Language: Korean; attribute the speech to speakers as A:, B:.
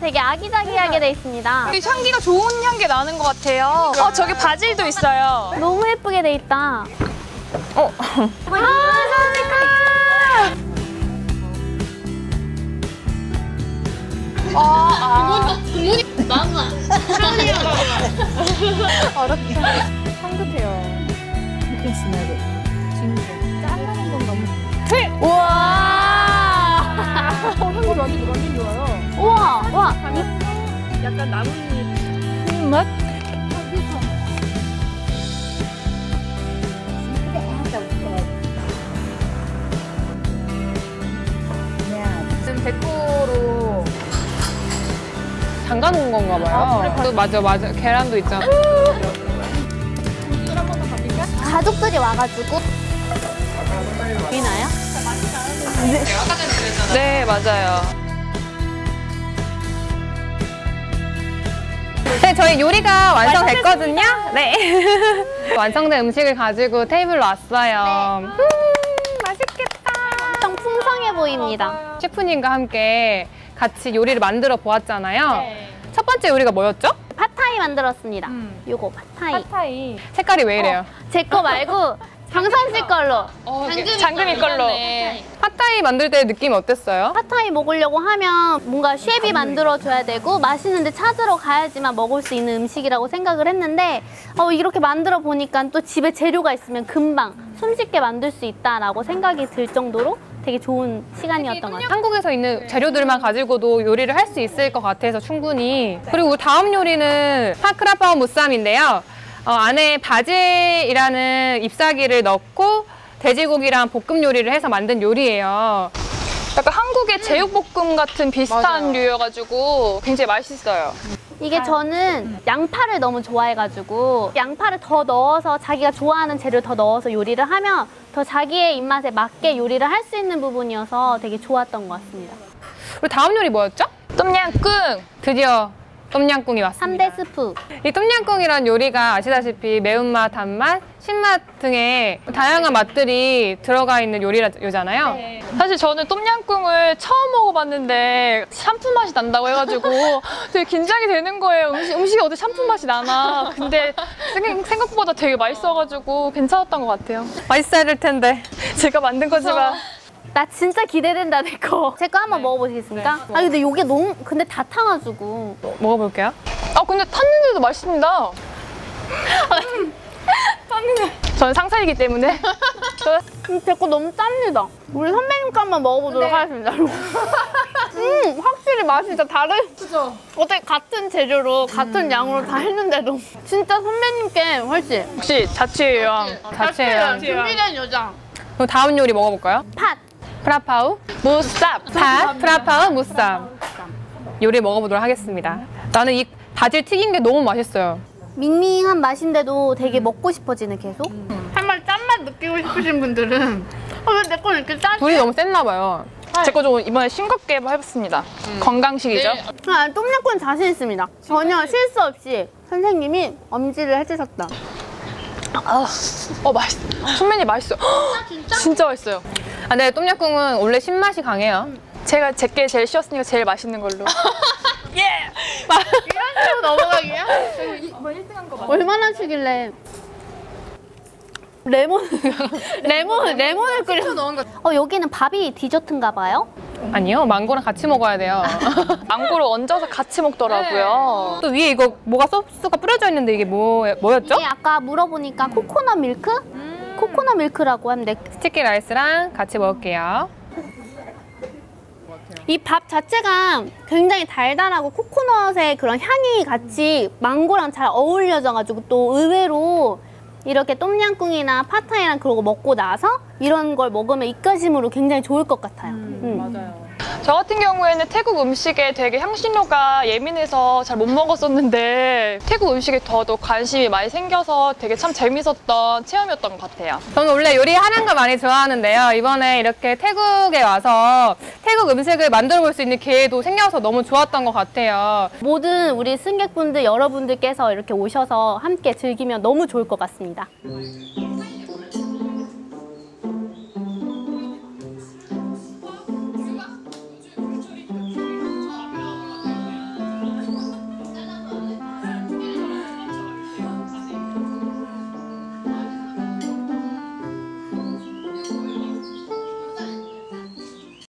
A: 되게 아기자기하게 돼 있습니다.
B: 향기가 좋은 향기 나는 것 같아요. 저기 바질도 있어요.
A: 너무 예쁘게 돼 있다.
C: 부모님 마마.
B: 향긋해요.
A: 우와!
B: 향기 완전 좋아요.
A: 우와! 와!
B: 약간 나뭇잎 맛? 지금 데코로 잠가놓은 건가 봐요. 맞아. 계란도 있잖아.
A: 가족들이 와가지고 보이나요?
B: 네, 맞아요.
D: 네, 저희 요리가 완성됐거든요. 네. 완성된 음식을 가지고 테이블로 왔어요. 맛있겠다.
A: 엄청 풍성해 보입니다.
D: 셰프님과 함께 같이 요리를 만들어 보았잖아요. 첫 번째 요리가 뭐였죠?
A: 팟타이 만들었습니다. 요거 팟타이.
D: 팟타이. 색깔이 왜 이래요?
A: 제 거 말고 방선 씨 걸로.
B: 장금이 걸로.
D: 팟타이 만들 때 느낌이 어땠어요?
A: 팟타이 먹으려고 하면 뭔가 셰프이 만들어줘야 되고 맛있는데 찾으러 가야지만 먹을 수 있는 음식이라고 생각을 했는데 이렇게 만들어 보니까 또 집에 재료가 있으면 금방 손쉽게 만들 수 있다라고 생각이 들 정도로 되게 좋은 시간이었던 것 같아요.
D: 한국에서 있는 재료들만 가지고도 요리를 할 수 있을 것 같아서 충분히. 그리고 다음 요리는 파크라파오 무쌈인데요. 안에 바질이라는 잎사귀를 넣고 돼지고기랑 볶음 요리를 해서 만든 요리예요.
B: 약간 한국의 제육볶음 같은 비슷한 류여가지고 굉장히 맛있어요.
A: 이게 저는 양파를 너무 좋아해가지고 양파를 더 넣어서 자기가 좋아하는 재료를 더 넣어서 요리를 하면 더 자기의 입맛에 맞게 요리를 할 수 있는 부분이어서 되게 좋았던 것 같습니다.
D: 그리고 다음 요리 뭐였죠?
B: 똠양꿍!
D: 드디어 똠양꿍이 왔습니다.
A: 3대 스프.
D: 이 똠양꿍이란 요리가 아시다시피 매운맛, 단맛, 신맛 등의 다양한 맛들이 들어가 있는 요리잖아요.
B: 네. 사실 저는 똠양꿍을 처음 먹어봤는데 샴푸 맛이 난다고 해가지고 되게 긴장이 되는 거예요. 음식이 어디 샴푸 맛이 나나. 근데 생각보다 되게 맛있어가지고 괜찮았던 것 같아요.
D: 맛있어야 될 텐데.
B: 제가 만든 거지만.
A: 나 진짜 기대된다, 내 거. 제 거 한번 먹어보시겠습니까? 근데 이게 너무, 근데 다 타가지고.
D: 먹어볼게요.
B: 근데 탔는데도 맛있습니다. 저는 상사이기 때문에.
A: 제 거 너무 짭니다. 우리 선배님 거 한번 먹어보도록 하겠습니다. 확실히 맛이 진짜 다른. 그죠? 어떻게 같은 재료로, 같은 양으로 다 했는데도. 진짜 선배님께 훨씬.
B: 역시 자취의 여왕.
D: 자체예요.
A: 준비된 여자.
D: 그럼 다음 요리 먹어볼까요?
A: 팥.
D: 프라파우
B: 무쌉.
D: 팥, 프라파우 무쌈. 요리 먹어보도록 하겠습니다. 나는 이 바질 튀긴 게 너무 맛있어요.
A: 밍밍한 맛인데도 되게 먹고 싶어지네, 계속. 정말 짠맛 느끼고 싶으신 분들은 왜 내 건 이렇게 짜지?
D: 불이 너무 셌나 봐요.
B: 제 거 좀 이번에 싱겁게 해봤습니다. 건강식이죠?
A: 똠양꿍 자신 있습니다. 전혀 실수 없이 선생님이 엄지를 해주셨다.
B: 맛있어. 선배님 맛있어요. 진짜 맛있어요.
D: 근데 똠양꿍은 원래 신맛이 강해요.
B: 제가 제게 제일 쉬웠으니까 제일 맛있는 걸로.
A: 이런 식으로 넘어가기야? 얼마나 치길래 레몬을 끓여 넣은 거. 여기는 밥이 디저트인가 봐요?
D: 아니요, 망고랑 같이 먹어야 돼요.
B: 망고를 얹어서 같이 먹더라고요.
D: 또 위에 이거 뭐가 소스가 뿌려져 있는데 이게 뭐였죠?
A: 이게 아까 물어보니까 코코넛 밀크? 코코넛 밀크라고 하는데
D: 스티키 라이스랑 같이 먹을게요.
A: 이 밥 자체가 굉장히 달달하고 코코넛의 그런 향이 같이 망고랑 잘 어울려져가지고 또 의외로 이렇게 똠양꿍이나 팟타이랑 그러고 먹고 나서 이런 걸 먹으면 입가심으로 굉장히 좋을 것 같아요.
D: 맞아요.
B: 저 같은 경우에는 태국 음식에 되게 향신료가 예민해서 잘 못 먹었었는데 태국 음식에 더더욱 관심이 많이 생겨서 되게 참 재밌었던 체험이었던 것 같아요.
D: 저는 원래 요리하는 거 많이 좋아하는데요. 이번에 이렇게 태국에 와서 태국 음식을 만들어 볼 수 있는 기회도 생겨서 너무 좋았던 것 같아요.
A: 모든 우리 승객분들 여러분들께서 이렇게 오셔서 함께 즐기면 너무 좋을 것 같습니다.